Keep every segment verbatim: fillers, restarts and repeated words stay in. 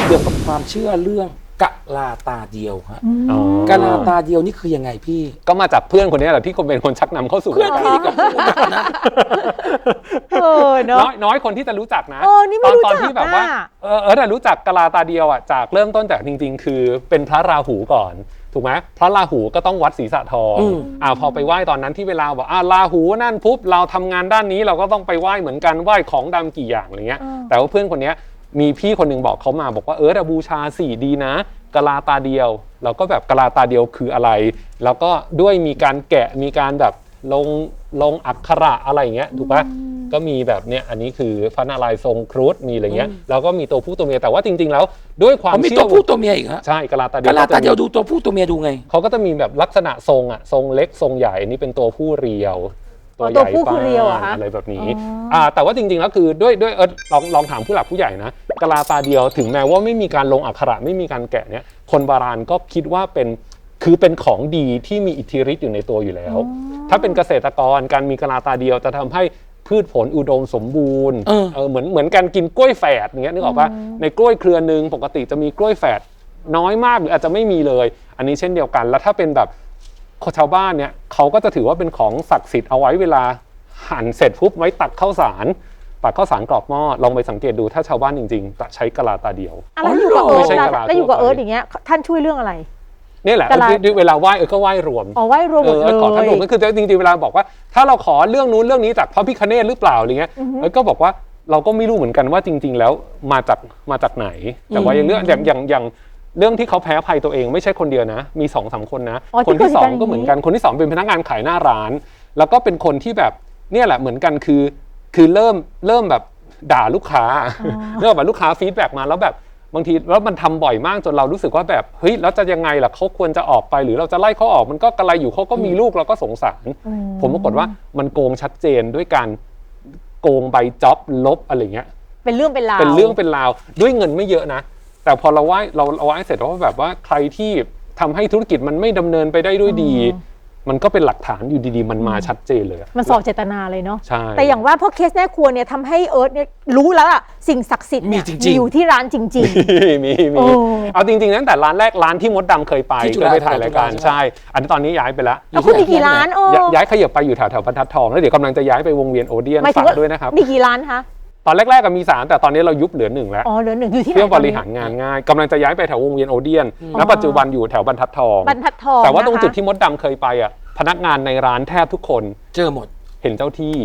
กี่ยวกับความเชื่อเรื่องกะลาตาเดียวฮะกะลาตาเดียวนี่คือยังไงพี่ก็มาจากเพื่อนคนนี้แหละที่คนเป็นคนชักนำเข้าสู่เพื่อนพี่กับกูนะเออเนาะน้อยคนที่จะรู้จักนะตอนตอนที่แบบว่าเออเออแต่รู้จักกะลาตาเดียวอ่ะจากเริ่มต้นจากจริงๆคือเป็นพระราหูก่อนถูกไหมพระราหูก็ต้องวัดศีรษะทองอ่าพอไปไหว้ตอนนั้นที่เวลาบอกอ่าราหูนั่นปุ๊บเราทำงานด้านนี้เราก็ต้องไปไหว้เหมือนกันไหว้ของดำกี่อย่างอะไรเงี้ยแต่ว่าเพื่อนคนนี้มีพี่คนนึงบอกเขามาบอกว่าเออแต่บูชาสี่ดีนะกะลาตาเดียวเราก็แบบกะลาตาเดียวคืออะไรแล้วก็ด้วยมีการแกะมีการแบบลงลงอักขระอะไรอย่างเงี้ยถูกปะก็มีแบบเนี้ยอันนี้คือพระนารายณ์ทรงครุฑมีอะไรเงี้ยแล้วก็มีตัวผู้ตัวเมียแต่ว่าจริงๆแล้วด้วยความเชื่อมีตัวผู้ตัวเมียอีกฮะใช่กะลาตาเดียวกะลาตาเดียวดูตัวผู้ตัวเมียดูไงเขาก็จะมีแบบลักษณะทรงอ่ะทรงเล็กทรงใหญ่อันนี้เป็นตัวผู้เรียวตัวใหญ่ป้านอะไรแบบนี้อ่าแต่ว่าจริงๆแล้วคือด้วยด้วยเออลองลองถามผู้หลักผู้ใหญ่นะกะลาตาเดียวถึงแม้ว่าไม่มีการลงอักขระไม่มีการแกะเนี้ยคนโบราณก็คิดว่าเป็นคือเป็นของดีที่มีอิทธิฤทธิ์อยู่ในตัวอยู่แล้วถ้าเป็นเกษตรกรการมีกะลาตาเดียวจะทำให้พืชผลอุดมสมบูรณ์เออเหมือนเหมือนการกินกล้วยแฝดอย่างเงี้ยนึกออกปะในกล้วยเครือนึงปกติจะมีกล้วยแฝดน้อยมากหรืออาจจะไม่มีเลยอันนี้เช่นเดียวกันแล้วถ้าเป็นแบบชาวบ้านเนี่ยเขาก็จะถือว่าเป็นของศักดิ์สิทธิ์เอาไว้เวลาหั่นเสร็จปุ๊บไว้ตักข้าวสารตักข้าวสารกรอกหม้อลองไปสังเกตดูถ้าชาวบ้านจริงๆจะใช้กะลาตาเดียวอะไรอยู่กับเอิร์ธแล้วอยู่กับเอิร์ธอย่างเงี้ยท่านช่วยเรื่องอะไรนี่แหละเวลาไหว้เออก็ไหว้รวมอ๋อไหว้รวมหมดเลยขอท่านรวมก็คือจริงๆเวลาบอกว่าถ้าเราขอเรื่องนู้นเรื่องนี้จากพระพิฆเนศหรือเปล่าอะไรเงี้ยเออก็บอกว่าเราก็ไม่รู้เหมือนกันว่าจริงๆแล้วมาจากมาจากไหนแต่ว่าอย่างเรื่องอย่างอย่างอย่างเรื่องที่เขาแพ้ภัยตัวเองไม่ใช่คนเดียวนะมีสองสามคนนะคนที่สองก็เหมือนกันคนที่สองเป็นพนักงานขายหน้าร้านแล้วก็เป็นคนที่แบบเนี่ยแหละเหมือนกันคือคือเริ่มเริ่มแบบด่าลูกค้าเริ่มแบบลูกค้าฟีดแบ็กมาแล้วแบบบางทีแล้วมันทำบ่อยมากจนเรารู้สึกว่าแบบเฮ้ยแล้วจะยังไงล่ะเขาควรจะออกไปหรือเราจะไล่เขาออกมันก็กระไรอยู่เขาก็มีลูกเราก็สงสารผมปรากฏว่ามันโกงชัดเจนด้วยการโกงใบจ็อบลบอะไรเงี้ยเป็นเรื่องเป็นราวเป็นเรื่องเป็นราวด้วยเงินไม่เยอะนะแต่พอเราไหว้เราเราไหว้เสร็จแล้วแบบว่าใครที่ทำให้ธุรกิจมันไม่ดำเนินไปได้ด้วยดีมันก็เป็นหลักฐานอยู่ดีๆมันมาชัดเจนเลยมันสอบเจตนาเลยเนาะใช่แต่อย่างว่าพวกเคสแม่ครัวเนี่ยทำให้เอิร์ธเนี่ยรู้แล้วอะสิ่งศักดิ์สิทธิ์เนี่ยอยู่ที่ร้านจริงๆมีมีเอาจริงๆตั้งแต่ร้านแรกร้านที่มดดำเคยไปเคยไปถ่ายรายการใช่อันนี้ตอนนี้ย้ายไปแล้วแล้วคุณมีกี่ร้านโอ้ย้ายขยับไปอยู่แถวๆบรรทัดทองแล้วเดี๋ยวกำลังจะย้ายไปวงเวียนโอเดียนฝากด้วยนะครับมีกี่ร้านคะตอนแรกๆก็มีสามแต่ตอนนี้เรายุบเหลือหนึ่งแล้วอ๋อเหลือหนึ่งอยู่ที่ไหนเพื่อบริหารงานง่ายกำลังจะย้ายไปแถววงเวียนโอเดียนแล้วปัจจุบันอยู่แถวบรรทัดทองบรรทัดทองแต่ว่าตรงจุดที่มดดำเคยไปอ่ะพนักงานในร้านแทบทุกคนเจอหมดเห็นเจ้าที่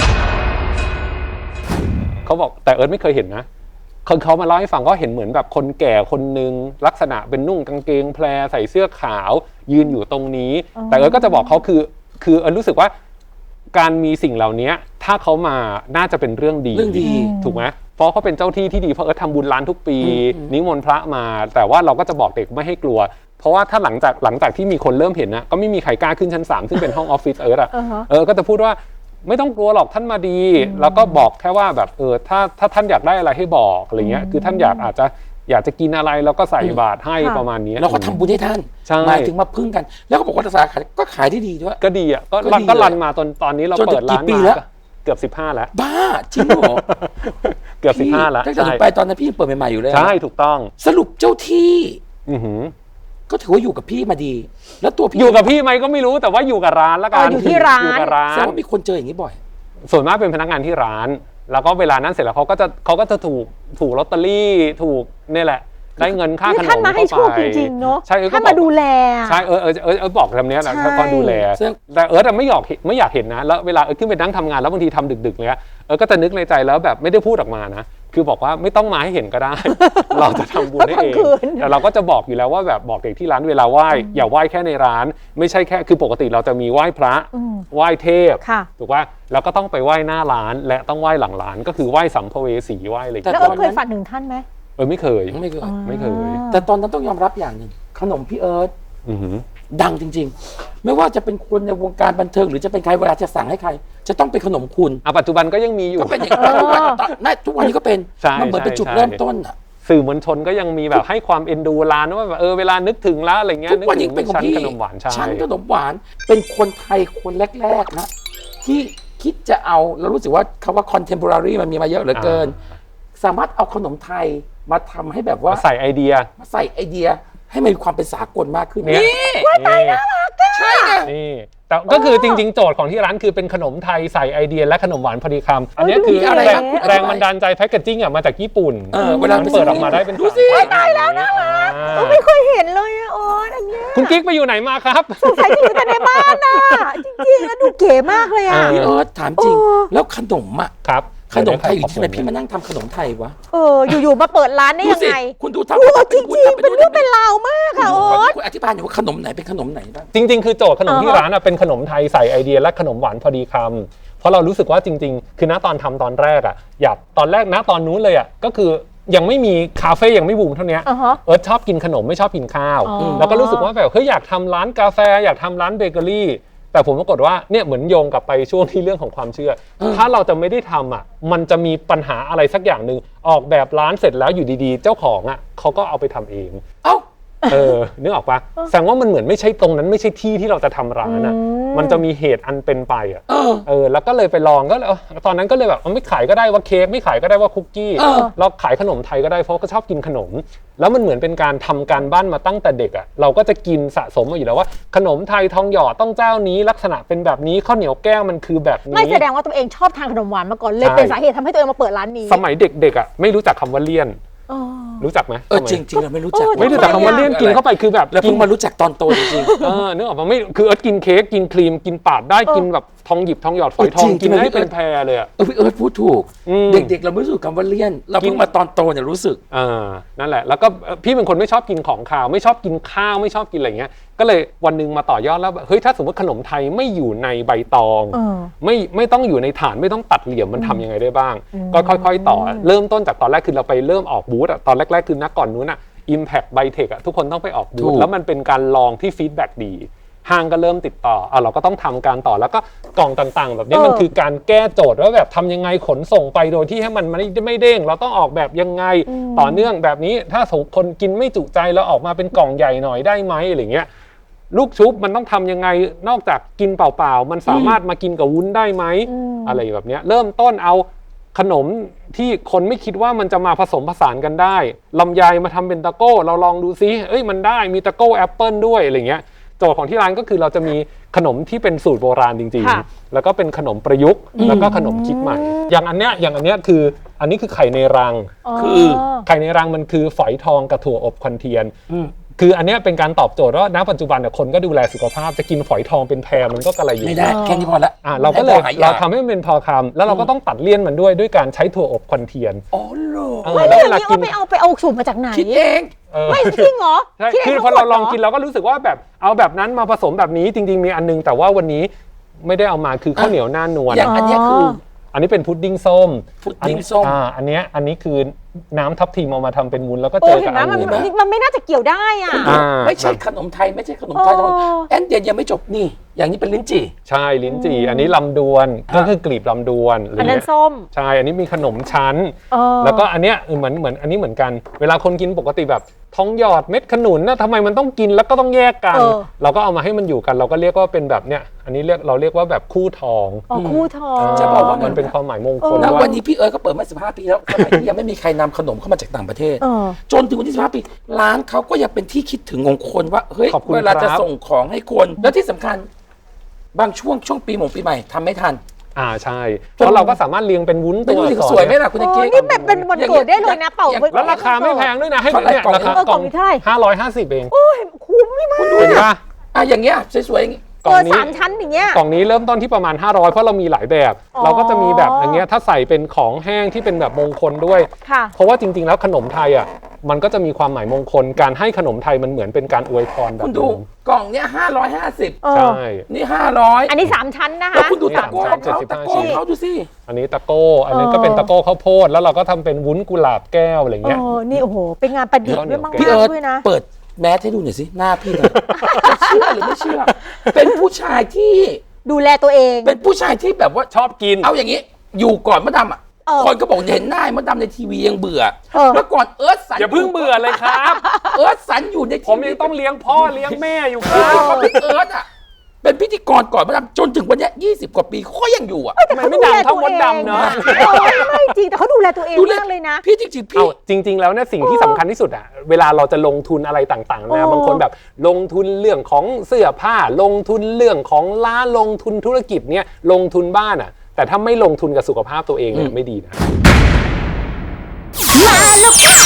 เขาบอกแต่เอิร์ธไม่เคยเห็นนะคนเขามาเล่าให้ฟังก็เห็นเหมือนแบบคนแก่คนนึงลักษณะเป็นนุ่งกางเกงแพรใส่เสื้อขาวยืนอยู่ตรงนี้แต่เอิร์ธก็จะบอกเขาคือคือเอิร์ธรู้สึกว่าการมีสิ่งเหล่านี้ถ้าเขามาน่าจะเป็นเรื่องดีเรื่องดีถูกไหมเพราะเขาเป็นเจ้าที่ที่ดีเพราะเอิร์ธทำบุญร้านทุกปีนิมนต์พระมาแต่ว่าเราก็จะบอกเด็กไม่ให้กลัวเพราะว่าถ้าหลังจากหลังจากที่มีคนเริ่มเห็นนะก็ไม่มีใครกล้าขึ้นชั้นสามซึ่งเป็นห้องออฟฟิศเอิร์ธอ่ะเออก็จะพูดว่าไม่ต้องกลัวหรอกท่านมาดีแล้วก็บอกแค่ว่าแบบเออถ้าถ้าท่านอยากได้อะไรให้บอกอะไรเงี้ยคือท่านอยากอาจจะอยากจะกินอะไรแล้วก็ใส่บาตรให้ประมาณนี้เราก็ทำบุญให้ท่านหมายถึงมาพึ่งกันแล้วก็บอกว่าสาขาก็ขายได้ดีด้วยก็ดีอ่ะก็ก็รันมาตอนตอนนี้เราเปิดร้านมาเกือบสิบห้าแล้วบ้าจริงเหรอเกือบสิบห้าแล้วตั้งแต่หนูไปตอนนั้นพี่เปิดใหม่ๆอยู่เลยใช่ถูกต้องสรุปเจ้าที่อือหือก็ถือว่าอยู่กับพี่มาดีแล้วตัวพี่อยู่กับพี่ไหมก็ไม่รู้แต่ว่าอยู่กับร้านแล้วกันอยู่ที่ร้านอยู่กับร้านแสดงว่ามีคนเจออย่างนี้บ่อยส่วนมากเป็นพนักงานที่ร้านแล้วก็เวลานั้นเสร็จแล้วเขาก็จะเขาก็จะถูกถูกลอตเตอรี่ถูกนี่แหละได้เงินค่าขนมท่านมาให้โชคจริงๆเนาะใช่ท่านมาดูแลใช่เออเออเออเออบอกคำนี้แหละท่านดูแลแต่เออแต่ไม่อยากไม่อยากเห็นนะแล้วเวลาเออขึ้นไปนั่งทำงานแล้วบางทีทำดึกๆเลยเออก็จะนึกในใจแล้วแบบไม่ได้พูดออกมานะคือบอกว่าไม่ต้องมาให้เห็นก็ได้เราจะทำบุญให้เองแต่เราก็จะบอกอยู่แล้วว่าแบบบอกเด็กที่ร้านเวลาไหว้อย่าไหว้แค่ในร้านไม่ใช่แค่คือปกติเราจะมีไหว้พระไหว้เทพถูกป่ะแล้วก็ต้องไปไหว้หน้าร้านและต้องไหว้หลังร้านก็คือไหว้สัมภเวสีไหว้อะไรแล้วเอิร์ธเคยฝันถึงท่านไหมเออไม่เคยไม่เคยไม่เคยแต่ตอนนั้นต้องยอมรับอย่างหนึ่งขนมพี่เอิร์ธดังจริงๆไม่ว่าจะเป็นคนในวงการบันเทิงหรือจะเป็นใครเวลาจะสั่งให้ใครจะต้องเป็นขนมคุณอ่ะปัจจุบันก็ยังมีอยู่ก็เป็นอย่างนั้นทุกวันนี้ก็เป็นมันเหมือนเป็นจุดเริ่มต้นอ่ะสื่อมวลชนก็ยังมีแบบให้ความเอ็นดูร้านว่าแบบเออเวลานึกถึงแล้วอะไรเงี้ยทุกวันนี้เป็นของพี่ขนมหวานชั้นขนมหวานเป็นคนไทยคนแรกๆนะที่คิดจะเอาเรารู้สึกว่าคำว่า contemporary มันมีมาเยอะเหลือเกินสามารถเอาขนมไทยมาทำให้แบบว่าใส่ไอเดียมาใส่ไอเดียให้มันมีความเป็นสากลมากขึ้นเนี่ยนี่นี่ใช่ไงนี่แต่ก็คือจริงๆโจทย์ของที่ร้านคือเป็นขนมไทยใส่ไอเดียและขนมหวานพอดีคำอันนี้คืออะไรแรครังบแรงบันดาลใจแพคเกจจิ้งอ่ะมาจากญี่ปุ่นเออเวลามันเปิดออกมาได้เป็นดูสิสามตายแล้วน่ารักอ่าเออไม่เคยเห็นเลยอะโอ๊ตอันเนี้ยคุณกิ๊กไปอยู่ไหนมาครับสงสัยจะอยู่แต่ในบ้านน่ะจริงๆแล้วดูเก๋มากเลยอะเอพี่เอิร์ธถามจริงโอ้แล้วขนมอ่ะครับขนมไทยอยู่ที่ไหนพี่มานั่งทำขนมไทยวะเอออยู่ๆมาเปิดร้านได้ดูยังสิไงคุณดูทำโอ้ทำจริงวุ้ๆเป็นเรื่องเป็นราวมากค่ะโอ๊ตคุณอธิบายหน่อยว่าขนมไหนเป็นขนมไหนบ้างจริงๆ คือโจทย์ขนมที่อ่าฮะร้านอะเป็นขนมไทยใส่ไอเดียและขนมหวานพอดีคำเพราะเรารู้สึกว่าจริงๆ คือณตอนทำตอนแรกอะอยากตอนแรกณตอนนู้นเลยอะก็คือยังไม่มีคาเฟ่ยังไม่บูมเท่านี้อ่าฮะเอิร์ธชอบกินขนมไม่ชอบกินข้าวอ๋อแล้วก็รู้สึกว่าแบบเฮ้ยอยากทำร้านกาแฟอยากทำร้านเบเกอรี่แต่ผมปรากฏว่าเนี่ยเหมือนโยงกลับไปช่วงที่เรื่องของความเชื่อ ถ้าเราจะไม่ได้ทำอ่ะมันจะมีปัญหาอะไรสักอย่างหนึ่งออกแบบร้านเสร็จแล้วอยู่ดีๆ เจ้าของอ่ะเขาก็เอาไปทำเองเอ้าเออนึกออกปะแสดงว่ามันเหมือนไม่ใช่ตรงนั้นไม่ใช่ที่ที่เราจะทำร้านอ่ะอืมมันจะมีเหตุอันเป็นไปอ่ะเออเออแล้วก็เลยไปลองก็เลยเออตอนนั้นก็เลยแบบเอาไม่ขายก็ได้ว่าเค้กไม่ขายก็ได้ว่าคุกกี้เออเราขายขนมไทยก็ได้เพราะก็ชอบกินขนม แล้วมันเหมือนเป็นการทำการบ้านมาตั้งแต่เด็กอ่ะเราก็จะกินสะสมมาอยู่แล้วว่าขนมไทยทองหยอดต้องเจ้านี้ลักษณะเป็นแบบนี้ข้าวเหนียวแก้วมันคือแบบนี้ไม่แสดงว่าตัวเองชอบทานขนมหวานมาก่อนเลยใช่เป็นสาเหตุทำให้ตัวเองมาเปิดร้านนี้สมัยเด็กๆอ่ะไม่รู้จักคำว่าเลี่ยนอ๋อรู้จักไหมเออสมัยจริงจริงๆเราไม่รู้จักเออไม่รู้จักคำว่าเลี่ยนกินเข้าไปคือแบบแล้วกิเพิ่นงมารู้จักตอนโตจริงเออนึกออกปะไม่คือเอิร์ธกินเค้กกินครีมกินปาดได้กินแบบทองหยิบทองหยอดฝอยทองเออจริงกินได้จริงเป็นแพรเลยอ่ะๆเออพี่เอิร์ธพูดถูกอืมเด็กๆเราไม่รู้สึกคำว่าเลี่ยน เราเพิ่งมาตอนโตเนี่ยรู้สึกอ่านั่นแหละแล้วก็เอ่อพี่เป็นคนไม่ชอบกินของคาวไม่ชอบกินข้าวไม่ชอบกินอะไรเงี้ยก็เลยวันหนึงมาต่อยอดแล้วแบบเฮ้ยถ้าสมมติขนมไทยไม่อยู่ในใบตองเออไม่ไม่ต้องอยู่ในฐานไม่ต้องตัดเหลี่ยมมันทำยังไงได้บ้าง ก็ค่อยๆต่อเริ่มต้นจากตอนแรกคือเราไปเริ่มออกบูธอะตอนแรกๆคือนักก่อนนู้นอะ Impact Bytech อะทุกคนต้องไปออกบูถูธกแล้วมันเป็นการลองที่ฟีดแบ็กดีห้างก็เริ่มติดต่ออ่ะเราก็ต้องทำการต่อแล้วก็กล่องต่างๆ แบบนี้เออมันคือการแก้โจทย์ว่าแบบทำยังไงขนส่งไปโดยที่ให้มันไม่ไม่เด้งเราต้องออกแบบยังไงต่อเนื่องแบบนี้ถ้าสมคนกินไม่จุใจแล้วออกมาเป็นกล่องใหญ่หน่อยได้ไหมอะไรเงี้ยลูกชุบมันต้องทำยังไงนอกจากกินเปล่าๆมันสามารถมากินกับวุ้นได้ไหมอืมอะไรแบบเนี้ยเริ่มต้นเอาขนมที่คนไม่คิดว่ามันจะมาผสมผสานกันได้ลำไยมาทำเป็นตะโก้เราลองดูซิเอ้ยมันได้มีตะโก้แอปเปิลด้วยอะไรเงี้ยโจทย์ของที่ร้านก็คือเราจะมีขนมที่เป็นสูตรโบราณจริงค่ะๆ แล้วก็เป็นขนมประยุกต์แล้วก็ขนมคิดใหม่ อย่างอันเนี้ยอย่างอันเนี้ยคืออันนี้คือไข่ในรังคือไข่ในรังมันคือฝอยทองกับถั่วอบควันเทียนอืมคืออันเนี้ยเป็นการตอบโจทย์ว่าณปัจจุบันเนี่ยคนก็ดูแลสุขภาพจะกินฝอยทองเป็นแพรมันก็กระไรอยู่ไม่ได้แค่นี้พอละอ่ะเราก็เลยให้พอหายากเราทำให้มันเป็นพอคำแล้วเราก็ต้องตัดเลี่ยนมันด้วยด้วยการใช้ถั่วอบควันเทียนอ๋อเหรอเออไม่แล้แล้ว วเวอย่างลานี้กิเอานไปเอาไปเอาสูตรมาจากไหนคิดเองเออไม่จริงเหรอใช่คิดเงคือพทั้องหมเราดลองหรกินเราก็รู้สึกว่าแบบเอาแบบนั้นมาผสมแบบนี้จริง ๆ มีอันนึงแต่ว่าวันนี้ไม่ได้เอามาคือข้าวเหนียวหน้านวลอย่างอันเนี้ยคืออันนี้เป็นพุดดิ้งส้มพุดดิ้งส้มอ่าอันเนี้ยอันนี้คือน้ำทับทิมเอามาทำเป็นวุ้นแล้วก็เอเจออเห็กับนไหมอัมันนนี้มันมันไม่น่าจะเกี่ยวได้อ่ะอ่าไม่ใช่ขนมไทยไม่ใช่ขนมไทยอ๋อแอนเดียนยังไม่จบนี่ อย่างนี้เป็นลิ้นจี่ใช่ลิ้นจี่อันนี้ลำดวนก็คือกลีบลำดวนอะไรอันนั้นเงี้ยส้มใช่อันนี้มีขนมชั้นเออแล้วก็อันเนี้ยเหมือนเหมือนอันนี้เหมือนกัน เวลาคนกินปกติแบบท้องหยอดเม็ดขนุนนะทำไมมันต้องกินแล้วก็ต้องแยกกันเออเราก็เอามาให้มันอยู่กัน เราก็เรียกว่าเป็นแบบเนี้ยอันนี้เรียกเราเรียกว่าแบบคู่ทองอ๋อคู่ทองจะบอกว่ามันเป็นความหมายมงคลแล้วว่าวันนี้พี่เอิร์ธก็เปิดมาสิบห้าปีแล้วสมัยที่ยังไม่มีใครนำขนมเข้ามาจากต่างประเทศเออจนถึงวันที่สิบห้าปี ร้านเขาก็ยังเป็นที่คิดถึงของคนว่าเฮ้ยขอบคุณเวลาจะครับส่งของให้คน แล้วที่สำคัญ บางช่วงช่วงปีหมงปีใหม่ทำไม่ทันอ่าใช่เพราะเราก็สามารถเรียงเป็นวุ้นไม่ตัวรู้สิอักษรสวยไหมล่ะคุณโอ้เก๊กนี่แบบเป็นวันเกิดได้เลยนะเป่าแล้วราคาไม่แพงด้วยนะให้เท่าไหร่เนี่ยกล่องราคาเออกล่องนี้เท่าไหร่ห้าร้อยห้าสิบเองโอ้ยคุ้มมากคุณดูเห็นดิปะอ่ะอย่างเงี้ยสวยๆอย่างงี้กล่เอองอนี้สามชั้นอย่างเงี้ยกล่องนี้เริ่มต้นที่ประมาณห้าร้อยเพราะเรามีหลายแบบอ๋อเราก็จะมีแบบอย่างเงี้ยถ้าใส่เป็นของแห้งที่เป็นแบบมงคลด้วยค่ะเพราะว่าจริงๆแล้วขนมไทยอ่ะมันก็จะมีความหมายมงคลการให้ขนมไทยมันเหมือนเป็นการอวยพรแบบคุณนึดูงกล่องเนี้ยห้าร้อยห้าสิบเออใช่นี่ห้าร้อยอันนี้สามชั้นนะแล้วคะคุณดูตะโก้นี่ของเขาสามชั้นตะโก้ของเขาดูสิอันนี้ตะโก้อันนี้ก็เป็นตะโก้ข้าวโพดแล้วเราก็ทำเป็นวุ้นกุหลาบแก้วอะไรเอเงี้ยอนี่โอ้โห เป็นงานประดิษฐ์ด้วยมากพี่เอิร์ธๆด้วยนะเปิดแมสให้ดูหน่อยสิหน้าพี่หน่อยจะเชื่อหรือไม่เชื่อ เป็นผู้ชายที่ดูแลตัวเองเป็นผู้ชายที่แบบว่าชอบกินเอาอย่างนี้ อยู่ก่อนมดดำอ่ะเออคนก็บอกเห็นหน้ามดดำในทีวียังเบื่อเออแล้วก่อนเอิร์ธสันอย่าเพิ่งเบื่อเลยครับเอิร์ธสันอยู่ในผทีมวียังต้องเลี้ยงพ่อเลี้ยงแม่อยู่คคือรับเขาเป็นเอิร์ธอ่ะเป็นพิธีกรก่อนมาดำจนถึงวันนี้ยี่สิบกว่าปีเขาก็ยังอยู่อ่ะแต่เขาดูแลตัวเองเนาะไม่จริงแต่เขาดูแลตัวเองมากเลยนะพี่จริงๆพี่เอาจริง ๆแล้วเนี่ยสิ่งที่สำคัญที่สุดอะเวลาเราจะลงทุนอะไรต่างๆนะบางคนแบบลงทุนเรื่องของเสื้อผ้าลงทุนเรื่องของร้านลงทุนธุรกิจเนี่ยลงทุนบ้านอะแต่ถ้าไม่ลงทุนกับสุขภาพตัวเองเนี่ยไม่ดีนะมาแล้วค่ะ